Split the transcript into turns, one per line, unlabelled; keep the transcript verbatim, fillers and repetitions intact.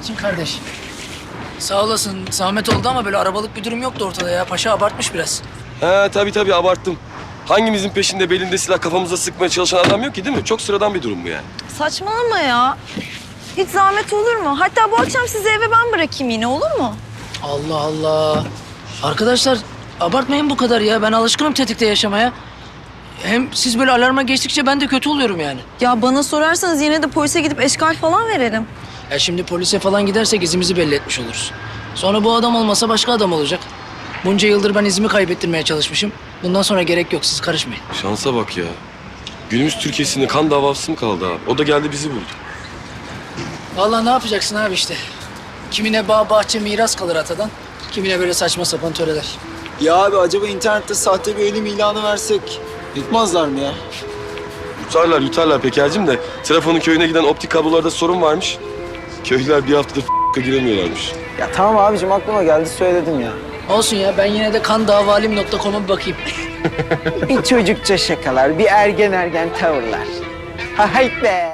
Metin kardeş. Sağ olasın. Zahmet oldu ama böyle arabalık bir durum yoktu ortada ya. Paşa abartmış biraz.
He tabii tabii abarttım. Hangimizin peşinde belinde silah kafamıza sıkmaya çalışan adam yok ki değil mi? Çok sıradan bir durum bu yani.
Saçmalama ya. Hiç zahmet olur mu? Hatta bu akşam sizi eve ben bırakayım yine, olur mu?
Allah Allah. Arkadaşlar abartmayın bu kadar ya. Ben alışkınım tetikte yaşamaya. Hem siz böyle alarma geçtikçe ben de kötü oluyorum yani.
Ya bana sorarsanız yine de polise gidip eşkal falan verelim.
Ya şimdi polise falan gidersek izimizi belli etmiş oluruz. Sonra bu adam olmasa başka adam olacak. Bunca yıldır ben izimi kaybettirmeye çalışmışım. Bundan sonra gerek yok, siz karışmayın.
Şansa bak ya. Günümüz Türkiye'sinde kan davası mı kaldı abi? O da geldi bizi buldu.
Vallahi ne yapacaksın abi işte. Kimine bağ bahçe miras kalır atadan. Kimine böyle saçma sapan töreler.
Ya abi acaba internette sahte bir ölüm ilanı versek yutmazlar mı ya?
Yutarlar yutarlar Peker'cim de Trafon'un köyüne giden optik kablolarda sorun varmış. Köylüler bir haftadır f***a giremiyorlarmış.
Ya tamam abicim aklıma geldi söyledim ya.
Olsun ya, ben yine de kandavalim nokta com'a bir bakayım.
Bir çocukça şakalar, bir ergen ergen tavırlar. Ha hayt be!